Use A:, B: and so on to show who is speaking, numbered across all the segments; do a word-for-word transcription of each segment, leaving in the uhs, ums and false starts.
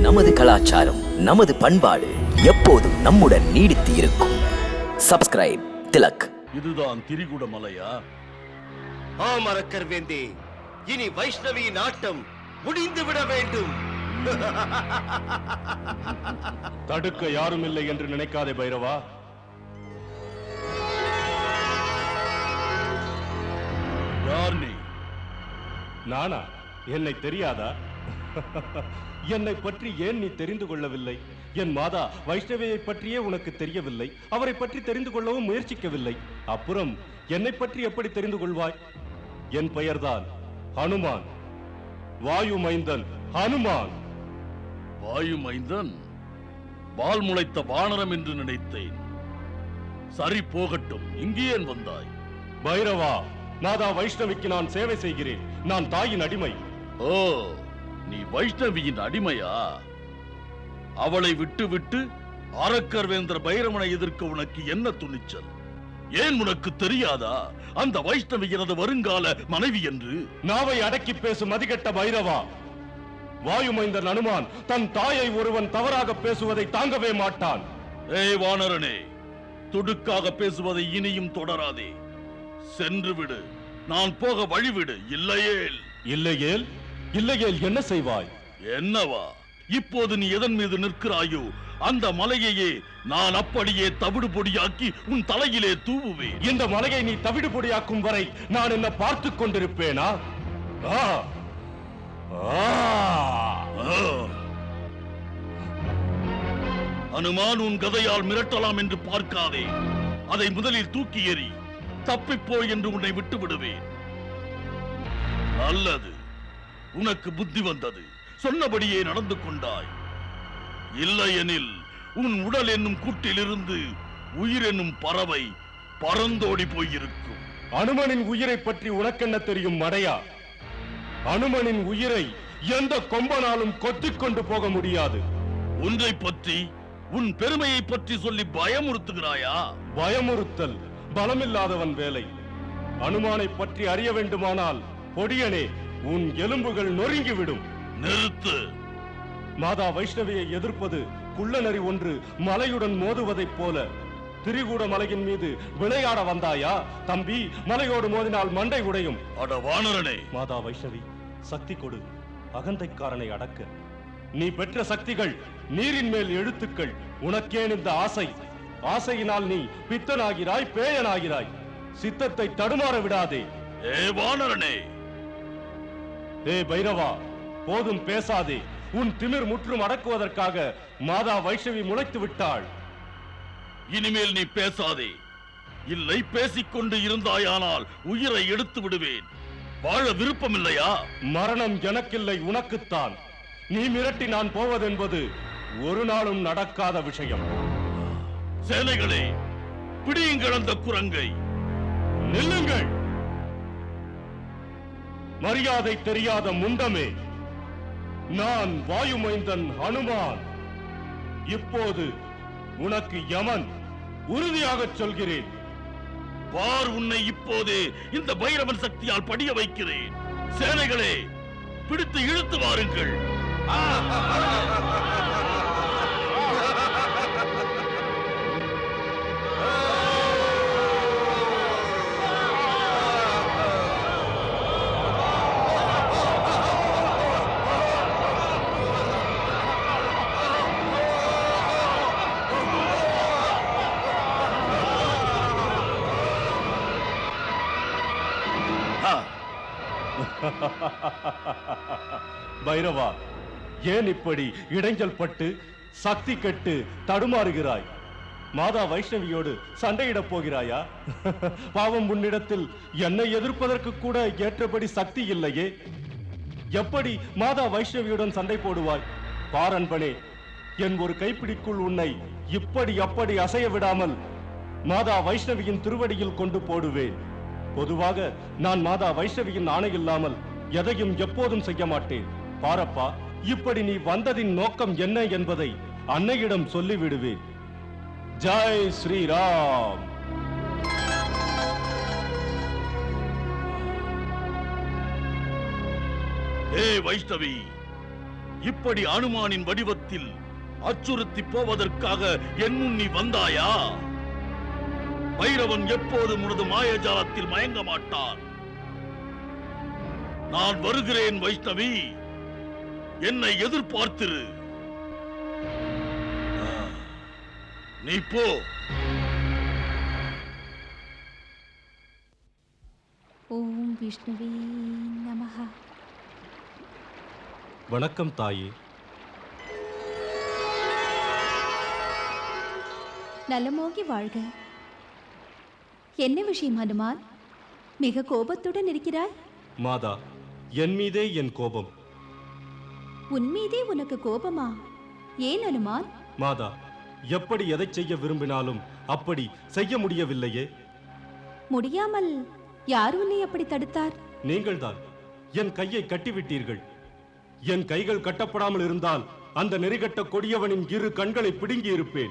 A: நமது கலாச்சாரம், நமது பண்பாடு எப்போதும் நம்முடன் நீடித்து இருக்கும். சப்ஸ்கிரைப் திலக்.
B: இதுதான் திரிகுட மலையா?
C: ஆம் அரக்கர் வேந்தே, இனி வைஷ்ணவி நாட்டம் முடிந்து விட வேண்டும்.
B: தடுக்க யாரும் இல்லை என்று நினைக்காதே பைரவா. யார் நீ? நானா? என்னை தெரியாதா? என்னை பற்றி ஏன் நீ தெரிந்து கொள்ளவில்லை? என் மாதா வைஷ்ணவியை பற்றியே உனக்கு தெரியவில்லை. அவரை பற்றி தெரிந்து கொள்ளவும் முயற்சிக்கவில்லை. அப்புறம் என்னை பற்றி எப்படி தெரிந்து கொள்வாய்? என் பெயர்தான் ஹனுமான், வாயு மைந்தன் ஹனுமான். வாயு மைந்தன்? வால் முளைத்த வானரம் என்று நினைத்தேன். சரி, போகட்டும். இங்கே ஏன் வந்தாய்? பைரவா, மாதா வைஷ்ணவிக்கு நான் சேவை செய்கிறேன். நான் தாயின் அடிமை. ஓ, நீ வைஷ்ணவியின் அடிமையா? அவளை விட்டு விட்டு அரக்கர் வேந்தர் பைரவனை எதிர்க்க உனக்கு என்ன துணிச்சல்? ஏன் உனக்கு தெரியாதா அந்த வைஷ்ணவி எனது வருங்கால மனைவி என்று? நாவை அடக்கி பேசும் அதிகட்ட பைரவா. வாயுமைந்தன் அனுமான் தன் தாயை ஒருவன் தவறாக பேசுவதை தாங்கவே மாட்டான். ஏய் வானரனே, துடுக்காக பேசுவதை இனியும் தொடராதே. சென்று விடு. நான் போக வழிவிடு. இல்லையேல் இல்லையேல் இல்லையேல் என்ன செய்வாய்? என்னவா? இப்போது நீ எதன் மீது நிற்கிறாயோ அந்த மலையையே நான் அப்படியே தவிடு பொடியாக்கி உன் தலையிலே தூவுவேன். இந்த மலையை நீ தவிடு பொடியாக்கும் வரை நான் என்ன பார்த்து கொண்டிருப்பேனா? அனுமான், உன் கதையால் மிரட்டலாம் என்று பார்க்காதே. அதை முதலில் தூக்கி எறி. தப்பிப்போ என்று உன்னை விட்டு விடுவேன். நல்லது, உனக்கு புத்தி வந்தது. சொன்னபடியே நடந்து கொண்டாய். இல்லையெனில் உன் உடல் என்னும் கூட்டிலிருந்து உயிர் என்னும் பறவை பறந்தோடி போயிருக்கும். அனுமனின் உயிரை பற்றி உனக்கென்ன தெரியும் மடையா? அனுமனின் உயிரை எந்த கொம்பனாலும் கொத்திக் கொண்டு போக முடியாது. ஒன்றை பற்றி, உன் பெருமையை பற்றி சொல்லி பயமுறுத்துகிறாயா? பயமுறுத்தல் பலமில்லாதவன் வேலை. அனுமானை பற்றி அறிய வேண்டுமானால் பொடியனே, உன் எலும்புகள் நொறுங்கிவிடும். நிறுத்து. மாதா வைஷ்ணவியை எதிர்ப்பது குள்ளநரி ஒன்று மலையுடன் மோதுவதைப் போல. திரிகூட மலையின் மீது விளையாட வந்தாயா? தம்பி, மலையோடு மோதினால் மண்டை உடையும். அட வானரனே! மாதா வைஷ்ணவி, சக்தி கொடு, அகந்தைக்காரனை அடக்க. நீ பெற்ற சக்திகள் நீரின் மேல் எழுத்துக்கள். உனக்கேன் இந்த ஆசை? ஆசையினால் நீ பித்தனாகிறாய், பேயனாகிறாய். சித்தத்தை தடுமாற விடாதே. ஏ வானரனே! ஏ பைரவா, போதும், பேசாதே. உன் திமிர் முற்றும் அடக்குவதற்காக மாதா வைஷ்ணவி முளைத்து விட்டாள். இனிமேல் நீ பேசாதே. இல்லை, பேசிக்கொண்டு இருந்தாயானால் உயிரை எடுத்து விடுவேன். வாழ விருப்பம் இல்லையா? மரணம் எனக்கில்லை, உனக்குத்தான். நீ மிரட்டி நான் போவதென்பது ஒரு நாளும் நடக்காத விஷயம். சேனைகளே, பிடியுங்கள் அந்த குரங்கை. நில்லுங்கள். மரியாதை தெரியாத முண்டமே, நான் வாயுமைந்தன் ஹனுமான். இப்போது உனக்கு யமன். உறுதியாக சொல்கிறேன். பார், உன்னை இப்போதே இந்த பைரவன் சக்தியால் படிய வைக்கிறேன். சேனைகளே, பிடித்து இழுத்து வாருங்கள். பைரவா, ஏன் இப்படி இடைஞ்சல் பட்டு சக்தி கெட்டு தடுமாறுகிறாய்? மாதா வைஷ்ணவியோடு சண்டையிடப் போகிறாயா? பாவம், உன்னிடத்தில் என்னை எதிர்ப்பதற்கு கூட ஏற்றபடி சக்தி இல்லையே. எப்படி மாதா வைஷ்ணவியுடன் சண்டை போடுவாய்? பாரன்பனே, என் ஒரு கைப்பிடிக்குள் உன்னை இப்படி அப்படி அசைய விடாமல் மாதா வைஷ்ணவியின் திருவடியில் கொண்டு போடுவேன். பொதுவாக நான் மாதா வைஷ்ணவியின் ஆணை இல்லாமல் எதையும் எப்போதும் செய்ய மாட்டேன். பாரப்பா, இப்படி நீ வந்ததின் நோக்கம் என்ன என்பதை அன்னையிடம் சொல்லிவிடுவேன். ஜெய் ஸ்ரீராம். ஏ வைஷ்ணவி, இப்படி அனுமானின் வடிவத்தில் அச்சுறுத்தி போவதற்காக என் முன் நீ வந்தாயா? பைரவன் எப்போதும் உனது மாயஜாலத்தில் மயங்க மாட்டான். நான் வருகிறேன் வைஷ்ணவி, என்னை எதிர்பார்த்திரு. ஆ, நீ போ.
D: ஓம் விஷ்ணுவே நமஹ.
E: வணக்கம் தாயே.
D: நலமோகி வாழ்க. என்ன விஷயம் ஹனுமான்? மிக கோபத்துடன் இருக்கிறாய்.
E: மாதா, என் மீதே என் கோபம்.
D: உன் மீதே உனக்கு கோபமா? ஏன் ஹனுமான்?
E: மாதா, எப்படி எதை செய்ய விரும்பினாலும் அப்படி செய்ய முடியவில்லையே.
D: முடியாமல் யார் உன்னை அப்படி தடுத்தார்?
E: நீங்கள்தான் என் கையை கட்டிவிட்டீர்கள். என் கைகள் கட்டப்படாமல் இருந்தால் அந்த நெறிகட்ட கொடியவனின் இரு கண்களை பிடுங்கி இருப்பேன்.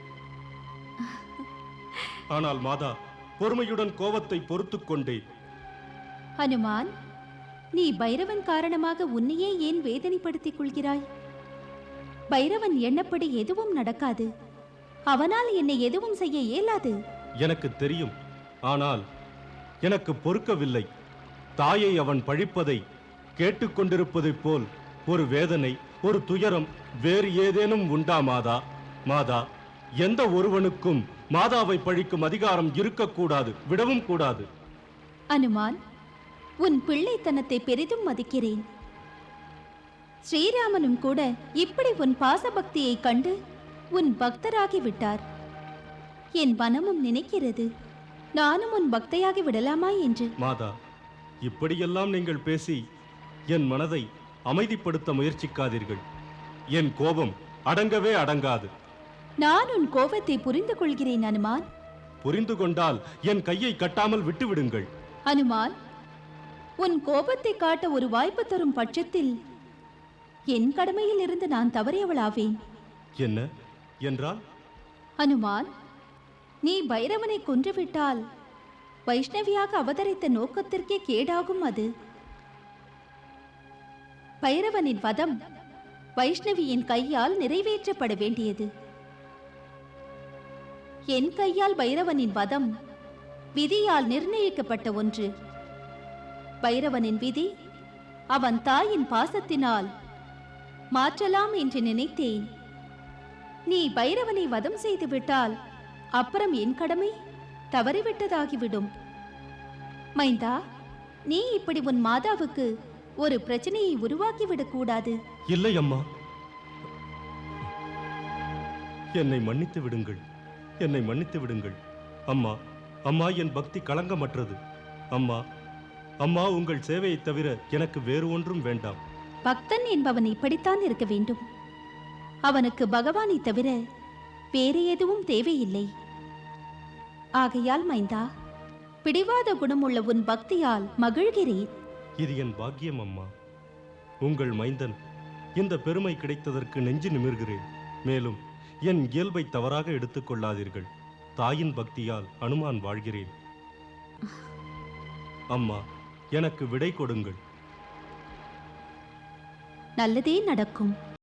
E: ஆனால் மாதா, பொறுமையுடன் கோபத்தை பொறுத்துக் கொண்டேன்.
D: ஹனுமான், நீ பைரவன் காரணமாக உன்னையே ஏன் வேதனைப்படுத்திக் கொள்கிறாய்? பைரவன் எண்ணப்படி எதுவும் நடக்காது. அவனால் என்னை எதுவும் செய்ய இயலாது.
E: எனக்கு தெரியும், ஆனால் எனக்கு பொறுக்கவில்லை. தாயை அவன் பழிப்பதை கேட்டுக்கொண்டிருப்பதைப் போல் ஒரு வேதனை, ஒரு துயரம் வேறு ஏதேனும் உண்டா மாதா? மாதா, எந்த ஒருவனுக்கும் மாதாவை பழிக்கும் அதிகாரம் இருக்கக்கூடாது, விடவும் கூடாது.
D: அனுமான், உன் பிள்ளைத்தனத்தை பெரிதும் மதிக்கிறேன். ஸ்ரீராமனும் கூட இப்படி உன் பாசபக்தியை கண்டு உன் பக்தராகி விட்டார். என் மனமும் நினைக்கிறது, நானும் உன் பக்தையாகி விடலாமா என்று.
E: மாதா, இப்படியெல்லாம் நீங்கள் பேசி என் மனதை அமைதிப்படுத்த முயற்சிக்காதீர்கள். என் கோபம் அடங்கவே அடங்காது.
D: நான் உன் கோபத்தை புரிந்து கொள்கிறேன் அனுமான்.
E: புரிந்து கொண்டால் என் கையை கட்டாமல் விட்டுவிடுங்கள்.
D: அனுமான், உன் கோபத்தை காட்ட ஒரு வாய்ப்பு தரும் பட்சத்தில் என் கடமையில் இருந்து நான் தவறியவளாவேன்.
E: என்ன என்றால்?
D: அனுமான், நீ பைரவனை கொன்றுவிட்டால் வைஷ்ணவியாக அவதரித்த நோக்கத்திற்கே கேடாகும். அது பைரவனின் வதம் வைஷ்ணவியின் கையால் நிறைவேற்றப்பட வேண்டியது. என் கையால் பைரவனின் வதம் விதியால் நிர்ணயிக்கப்பட்ட ஒன்று. பைரவனின் விதி அவன் தாயின் பாசத்தினால் மாற்றலாம் என்று நினைத்தேன். நீ பைரவனை வதம் செய்து விட்டால் அப்புறம் என் கடமை தவறிவிட்டதாகிவிடும். மைந்தா, நீ இப்படி உன் மாதாவுக்கு ஒரு பிரச்சனையை உருவாக்கிவிடக் கூடாது.
E: இல்லை அம்மா, என்னை மன்னித்து விடுங்கள், என்னை மன்னித்து விடுங்கள். அம்மா, அம்மா, என் பக்தி களங்கமற்றது. அம்மா, அம்மா, உங்கள் சேவையை தவிர எனக்கு வேறு ஒன்றும் வேண்டாம்.
D: பக்தன் என்பவன் இப்படித்தான் இருக்க வேண்டும். அவனுக்கு பகவானை தவிர வேறு எதுவும் தேவையில்லை. ஆகையால் மைந்தா, பிடிவாத குணமுள்ள உன் பக்தியால் மகிழ்கிறேன்.
E: இது என் பாக்கியம் அம்மா. உங்கள் மைந்தன் இந்த பெருமை கிடைத்ததற்கு நெஞ்சு நிமிர்கிறேன். மேலும் என் இயல்பை தவறாக எடுத்துக் கொள்ளாதீர்கள். தாயின் பக்தியால் அனுமான் வாழ்கிறேன். அம்மா, எனக்கு விடை கொடுங்கள்.
D: நல்லதே நடக்கும்.